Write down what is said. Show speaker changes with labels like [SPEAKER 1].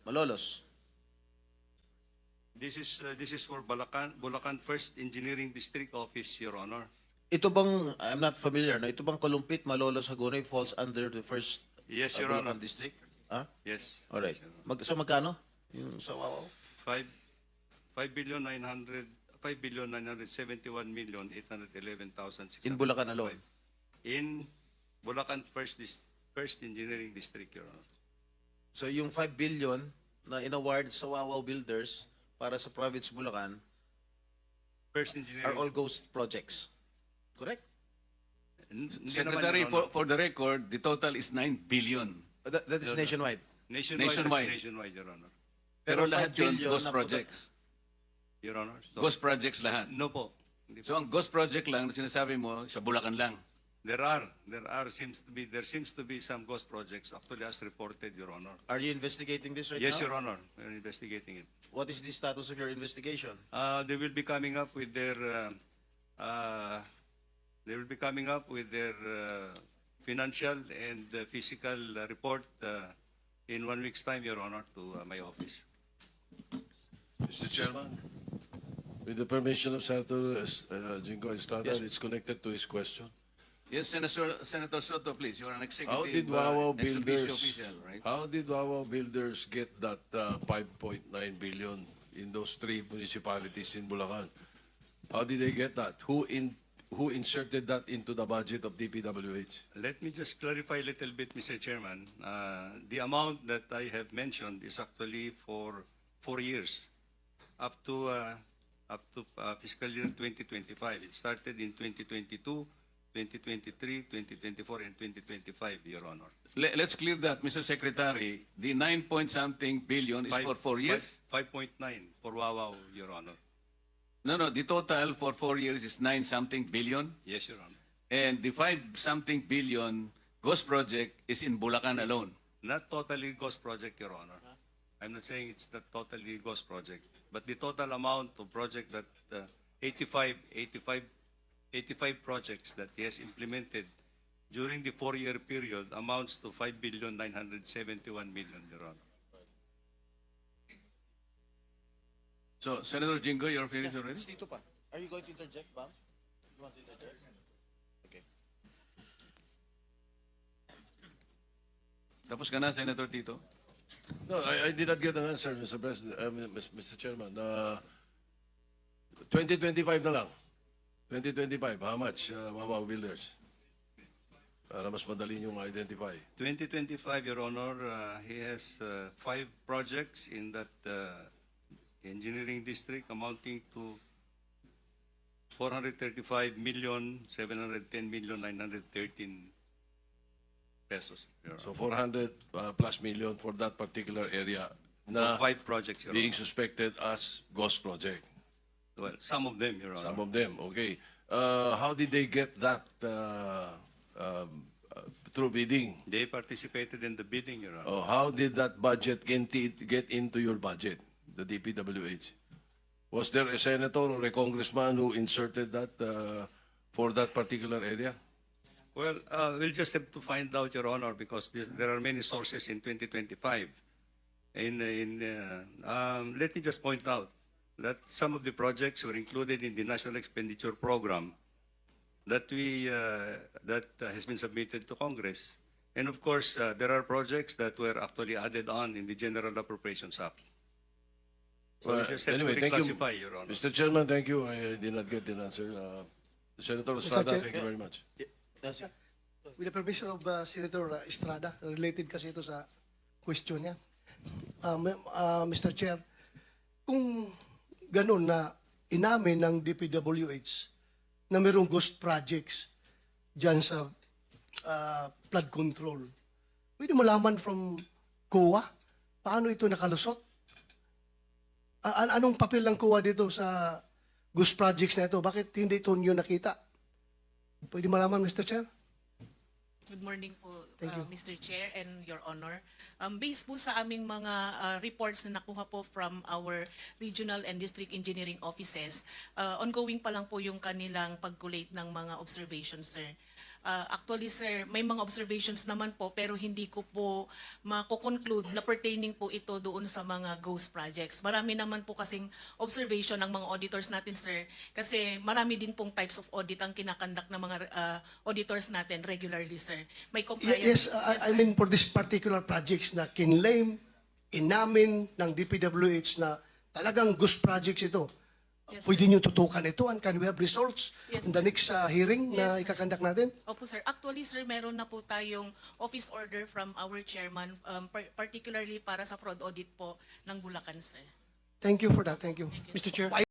[SPEAKER 1] Malolos.
[SPEAKER 2] This is for Bulacan First Engineering District Office, Your Honor.
[SPEAKER 1] Ito bang, I'm not familiar, no? Ito bang Kalumpit, Malolos, Hagonoy falls under the first
[SPEAKER 2] Yes, Your
[SPEAKER 1] Bulacan
[SPEAKER 2] Honor.
[SPEAKER 1] district? Ah?
[SPEAKER 2] Yes.
[SPEAKER 1] Alright.
[SPEAKER 2] Yes, Your Honor.
[SPEAKER 1] So magkano? Yung sa Wawaw?
[SPEAKER 2] 5,971,811,605.
[SPEAKER 1] In Bulacan alone?
[SPEAKER 2] In Bulacan First Engineering District, Your Honor.
[SPEAKER 1] So yung 5 billion na inaward sa Wawaw Builders para sa province Bulacan
[SPEAKER 2] First
[SPEAKER 1] are
[SPEAKER 2] Engineering.
[SPEAKER 1] all ghost projects. Correct?
[SPEAKER 2] Hindi naman,
[SPEAKER 3] Secretary,
[SPEAKER 2] Your Honor.
[SPEAKER 3] for the record, the total is 9 billion.
[SPEAKER 1] That is nationwide.
[SPEAKER 3] Nationwide.
[SPEAKER 2] Nationwide, Your Honor.
[SPEAKER 3] Pero
[SPEAKER 1] Pero
[SPEAKER 3] lahat
[SPEAKER 1] 5
[SPEAKER 3] yun,
[SPEAKER 1] billion
[SPEAKER 3] ghost
[SPEAKER 1] na
[SPEAKER 3] projects.
[SPEAKER 2] Your Honor. So,
[SPEAKER 3] Ghost projects lahat.
[SPEAKER 2] No po. Hindi po.
[SPEAKER 3] So ang ghost project lang na sinasabi mo, sa Bulacan lang.
[SPEAKER 2] There seems to be some ghost projects actually as reported, Your Honor.
[SPEAKER 1] Are you investigating this right
[SPEAKER 2] Yes,
[SPEAKER 1] now?
[SPEAKER 2] Your Honor. We're investigating it.
[SPEAKER 1] What is the status of your investigation?
[SPEAKER 2] They will be coming up with their financial and physical report in 1 week's time, Your Honor, to my office.
[SPEAKER 4] Mr. Chairman, with the permission of Senator Jingo Estrada,
[SPEAKER 1] Yes.
[SPEAKER 4] it's connected to his question.
[SPEAKER 3] Yes, Senator Soto, please. You are an executive
[SPEAKER 4] How did Wawaw
[SPEAKER 3] ex officio
[SPEAKER 4] Builders?
[SPEAKER 3] official, right?
[SPEAKER 4] How did Wawaw Builders get that 5.9 billion in those 3 municipalities in Bulacan? How did they get that? Who inserted that into the budget of DPWH?
[SPEAKER 2] Let me just clarify a little bit, Mr. Chairman. The amount that I have mentioned is actually for 4 years, up to fiscal year 2025. It started in 2022, 2023, 2024, and 2025, Your Honor.
[SPEAKER 3] Let's clear that, Mr. Secretary. The 9-point-something billion is for 4 years?
[SPEAKER 2] 5.9 for Wawaw, Your Honor.
[SPEAKER 3] No, the total for 4 years is 9-something billion.
[SPEAKER 2] Yes, Your Honor.
[SPEAKER 3] And the 5-something billion ghost project is in Bulacan alone.
[SPEAKER 2] Not totally ghost project, Your Honor. I'm not saying it's not totally ghost project, but the total amount of project that 85 projects that he has implemented during the 4-year period amounts to 5,971,000,000, Your Honor.
[SPEAKER 3] So, Senator Jingo, you're finished already?
[SPEAKER 1] Dito pa. Are you going to interject, Bam? You want to interject? Okay.
[SPEAKER 3] Tapos ka na, Senator Tito?
[SPEAKER 4] No, I did not get an answer, Mr. President, Mr. Chairman. 2025 na lang. 2025, how much, Wawaw Builders? Para mas madali yung identify.
[SPEAKER 2] 2025, Your Honor, he has 5 projects in that engineering district amounting to 435,710,913 pesos. Your
[SPEAKER 4] So
[SPEAKER 2] Honor.
[SPEAKER 4] 400 plus million for that particular area na
[SPEAKER 2] For 5 projects, Your
[SPEAKER 4] being
[SPEAKER 2] Honor.
[SPEAKER 4] suspected as ghost project.
[SPEAKER 2] Well, some of them, Your Honor.
[SPEAKER 4] Some of them, okay. How did they get that through bidding?
[SPEAKER 2] They participated in the bidding, Your Honor.
[SPEAKER 4] Oh, how did that budget get into your budget, the DPWH? Was there a senator or a congressman who inserted that for that particular area?
[SPEAKER 2] Well, we'll just have to find out, Your Honor, because there are many sources in 2025. Let me just point out that some of the projects were included in the National Expenditure Program that has been submitted to Congress. And of course, there are projects that were actually added on in the General Appropriations Act. So we just have
[SPEAKER 4] Anyway,
[SPEAKER 2] to
[SPEAKER 4] thank you,
[SPEAKER 2] reclassify, Your Honor.
[SPEAKER 4] Mr. Chairman. Thank you. I did not get an answer. Senator Estrada,
[SPEAKER 5] Chair-
[SPEAKER 4] thank you very much.
[SPEAKER 1] Yes.
[SPEAKER 5] With the permission of Senator Estrada, related kasi ito sa question niya. Mr. Chair, kung ganun na inamin ng DPWH na mayroong ghost projects dyan sa flood control, pwede malaman from COA paano ito nakalusot? Anong papel ng COA dito sa ghost projects na ito? Bakit hindi ito nyo nakita? Pwede malaman, Mr. Chair?
[SPEAKER 6] Good morning po,
[SPEAKER 5] Thank you.
[SPEAKER 6] Mr. Chair and Your Honor. Based po sa aming mga reports na nakuha po from our regional and district engineering offices, ongoing pa lang po yung kanilang pag-collate ng mga observations, sir. Actually, sir, may mga observations naman po pero hindi ko po mako-conclude na pertaining po ito doon sa mga ghost projects. Marami naman po kasing observation ng mga auditors natin, sir, kasi marami din pong types of audit ang kinakandak ng mga auditors natin regularly, sir. May compliance.
[SPEAKER 5] Yes, I mean for this particular projects na kinlaim, inamin ng DPWH na talagang ghost projects ito.
[SPEAKER 6] Yes,
[SPEAKER 5] Pwede niyo tutukan ito and can we have results
[SPEAKER 6] Yes,
[SPEAKER 5] in the next hearing na
[SPEAKER 6] Yes, sir.
[SPEAKER 5] ikakandak natin?
[SPEAKER 6] Opo, sir. Actually, sir, meron na po tayong office order from our chairman, particularly para sa fraud audit po ng Bulacan, sir.
[SPEAKER 5] Thank you for that. Thank you.
[SPEAKER 6] Thank you,
[SPEAKER 5] Mr. Chair.